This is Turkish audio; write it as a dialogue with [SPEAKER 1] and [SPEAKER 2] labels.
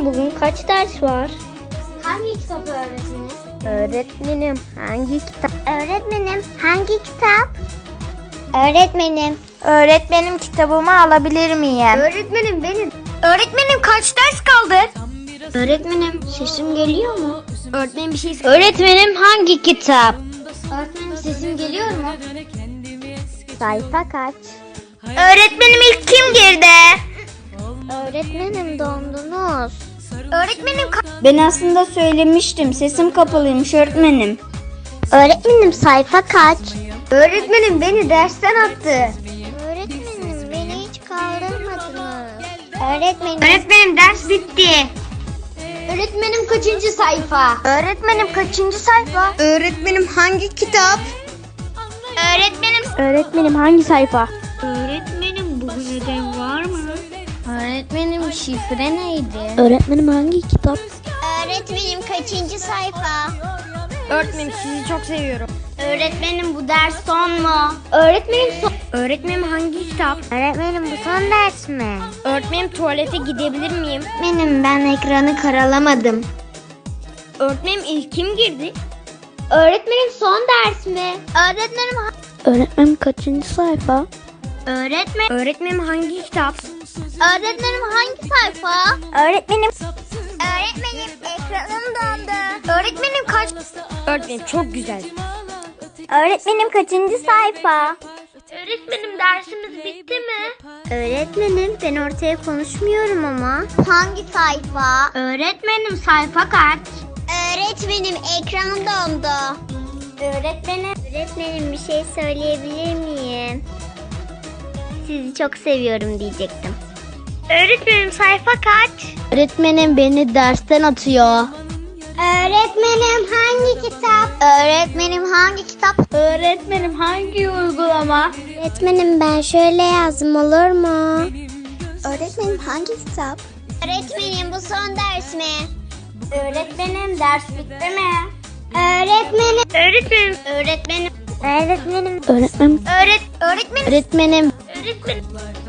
[SPEAKER 1] bugün kaç ders var?
[SPEAKER 2] Hangi kitap öğretmenim?
[SPEAKER 1] Öğretmenim hangi kitap?
[SPEAKER 2] Öğretmenim hangi kitap? Öğretmenim.
[SPEAKER 1] Öğretmenim kitabımı alabilir miyim?
[SPEAKER 2] Öğretmenim benim.
[SPEAKER 1] Öğretmenim kaç ders kaldı?
[SPEAKER 2] Öğretmenim sesim geliyor mu?
[SPEAKER 1] Öğretmenim bir şey Öğretmenim hangi kitap?
[SPEAKER 2] Öğretmenim sesim geliyor mu?
[SPEAKER 1] Sayfa kaç? Öğretmenim ilk kim girdi?
[SPEAKER 2] Öğretmenim dondunuz.
[SPEAKER 1] Öğretmenim
[SPEAKER 3] Ben aslında söylemiştim. Sesim kapalıymış öğretmenim.
[SPEAKER 2] Öğretmenim sayfa kaç?
[SPEAKER 1] Öğretmenim beni dersten attı.
[SPEAKER 2] Öğretmenim beni hiç kaldırmadınız. Öğretmenim.
[SPEAKER 1] Öğretmenim ders bitti.
[SPEAKER 2] Öğretmenim kaçıncı sayfa?
[SPEAKER 1] Öğretmenim kaçıncı sayfa? Öğretmenim hangi kitap? Öğretmenim hangi sayfa?
[SPEAKER 2] Öğretmenim bugün ödev var mı?
[SPEAKER 1] Öğretmenim şifre neydi?
[SPEAKER 3] Öğretmenim hangi kitap?
[SPEAKER 2] Öğretmenim kaçıncı sayfa?
[SPEAKER 1] Öğretmenim sizi çok seviyorum.
[SPEAKER 2] Öğretmenim bu ders son mu?
[SPEAKER 1] Öğretmenim Öğretmenim hangi kitap?
[SPEAKER 2] Öğretmenim bu son ders mi?
[SPEAKER 1] Öğretmenim tuvalete gidebilir miyim?
[SPEAKER 2] Öğretmenim ben ekranı karalamadım.
[SPEAKER 1] Öğretmenim ilk kim girdi?
[SPEAKER 2] Öğretmenim son ders mi?
[SPEAKER 3] Öğretmenim kaçıncı sayfa?
[SPEAKER 1] Öğretmenim hangi kitap?
[SPEAKER 2] Öğretmenim hangi sayfa?
[SPEAKER 1] Öğretmenim
[SPEAKER 2] Öğretmenim ekranım dondu.
[SPEAKER 1] Öğretmenim kaç? Öğretmenim çok güzel.
[SPEAKER 3] Öğretmenim kaçıncı sayfa?
[SPEAKER 1] Öğretmenim dersimiz bitti mi?
[SPEAKER 2] Öğretmenim ben ortaya konuşmuyorum ama. Hangi sayfa?
[SPEAKER 1] Öğretmenim sayfa kaç?
[SPEAKER 2] Öğretmenim ekranım dondu. Öğretmenim bir şey söyleyebilir miyim? Sizi çok seviyorum diyecektim.
[SPEAKER 1] Öğretmenim sayfa kaç?
[SPEAKER 3] Öğretmenim beni dersten atıyor.
[SPEAKER 2] Öğretmenim hangi kitap? Öğretmenim hangi kitap?
[SPEAKER 1] Öğretmenim hangi uygulama?
[SPEAKER 2] Öğretmenim ben şöyle yazdım olur mu? Öğretmenim hangi kitap? Öğretmenim bu son ders mi?
[SPEAKER 1] Öğretmenim ders bitti mi?
[SPEAKER 2] Öğretmenim.
[SPEAKER 1] Öğretmenim.
[SPEAKER 2] Öğretmenim.
[SPEAKER 3] Öğretmenim.
[SPEAKER 1] Öğretmenim.
[SPEAKER 3] Öğretmenim.
[SPEAKER 1] Öğretmenim.